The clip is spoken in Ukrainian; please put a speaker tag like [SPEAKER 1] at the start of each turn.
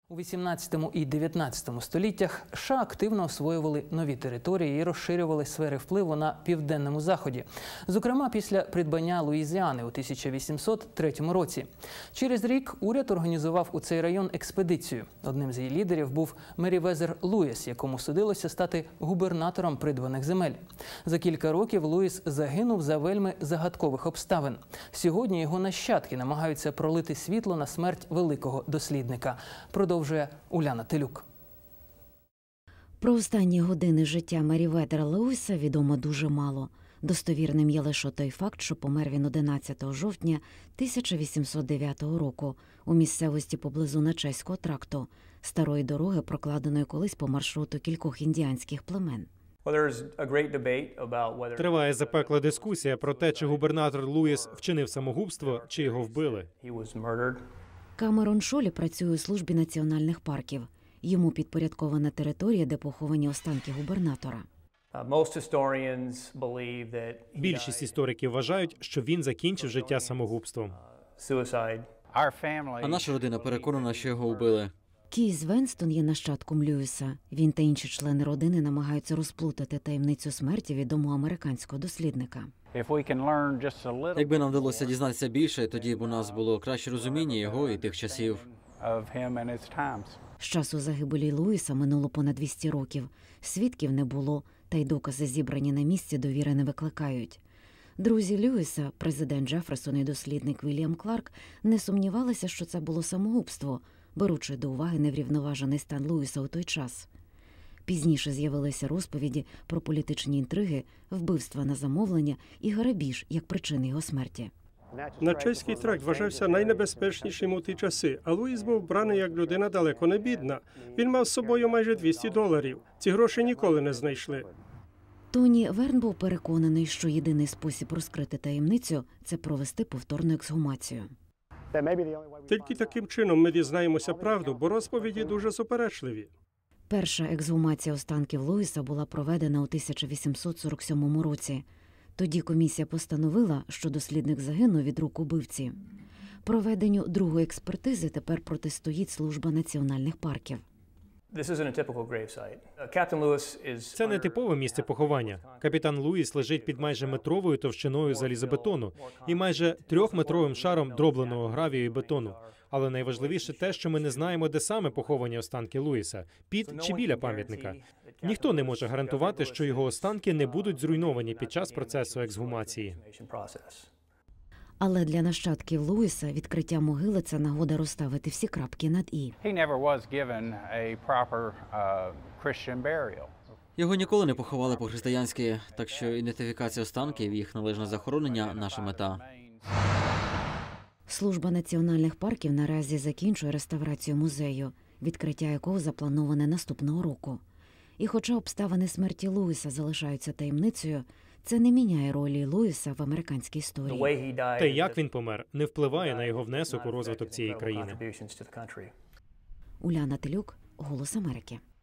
[SPEAKER 1] У 18 і 19 століттях США активно освоювали нові території і розширювали сфери впливу на Південному Заході. Зокрема, після придбання Луїзіани у 1803 році. Через рік уряд організував у цей район експедицію. Одним з її лідерів був Мерівезер Луїс, якому судилося стати губернатором придбаних земель. За кілька років Луїс загинув за вельми загадкових обставин. Сьогодні його нащадки намагаються пролити світло на смерть великого дослідника. Продовжує Уляна Телюк.
[SPEAKER 2] Про останні години життя Мерівезера Луїса відомо дуже мало. Достовірним є лише той факт, що помер він 11 жовтня 1809 року у місцевості поблизу Начеського тракту, старої дороги, прокладеної колись по маршруту кількох індіанських племен.
[SPEAKER 3] Триває запекла дискусія про те, чи губернатор Луїс вчинив самогубство, чи його вбили.
[SPEAKER 2] Камерон Шолі працює у службі національних парків. Йому підпорядкована територія, де поховані останки губернатора.
[SPEAKER 3] Більшість істориків вважають, що він закінчив життя самогубством.
[SPEAKER 4] А наша родина переконана, що його вбили.
[SPEAKER 2] Кейс Венстон є нащадком Льюіса. Він та інші члени родини намагаються розплутати таємницю смерті відомого американського дослідника.
[SPEAKER 4] Якби нам вдалося дізнатися більше, тоді б у нас було краще розуміння його і тих часів.
[SPEAKER 2] З часу загибелі Луїса минуло понад 200 років. Свідків не було, та й докази, зібрані на місці, довіри не викликають. Друзі Льюіса, президент Джефферсон і дослідник Вільям Кларк, не сумнівалися, що це було самогубство, беручи до уваги неврівноважений стан Луїса у той час. Пізніше з'явилися розповіді про політичні інтриги, вбивства на замовлення і грабіж як причини його смерті.
[SPEAKER 5] Начеський тракт вважався найнебезпечнішим у ті часи, а Луїс був браний як людина далеко не бідна. Він мав з собою майже $200. Ці гроші ніколи не знайшли.
[SPEAKER 2] Тоні Верн був переконаний, що єдиний спосіб розкрити таємницю – це провести повторну ексгумацію.
[SPEAKER 5] Тільки таким чином ми дізнаємося правду, бо розповіді дуже суперечливі.
[SPEAKER 2] Перша ексгумація останків Луїса була проведена у 1847 році. Тоді комісія постановила, що дослідник загинув від рук убивці. Проведенню другої експертизи тепер протистоїть служба національних парків.
[SPEAKER 3] Це не типове місце поховання. Капітан Луїс лежить під майже метровою товщиною залізобетону і майже 3-метровим шаром дробленого гравію і бетону. Але найважливіше те, що ми не знаємо, де саме поховані останки Луїса – під чи біля пам'ятника. Ніхто не може гарантувати, що його останки не будуть зруйновані під час процесу ексгумації.
[SPEAKER 2] Але для нащадків Луїса відкриття могили – це нагода розставити всі крапки над «і».
[SPEAKER 4] Його ніколи не поховали по-християнськи, так що ідентифікація останків, їх належне захоронення – наша мета.
[SPEAKER 2] Служба національних парків наразі закінчує реставрацію музею, відкриття якого заплановане наступного року. І хоча обставини смерті Луїса залишаються таємницею, це не міняє ролі Луїса в американській історії.
[SPEAKER 3] Те, як він помер, не впливає на його внесок у розвиток цієї країни.
[SPEAKER 2] Уляна Телюк, «Голос Америки».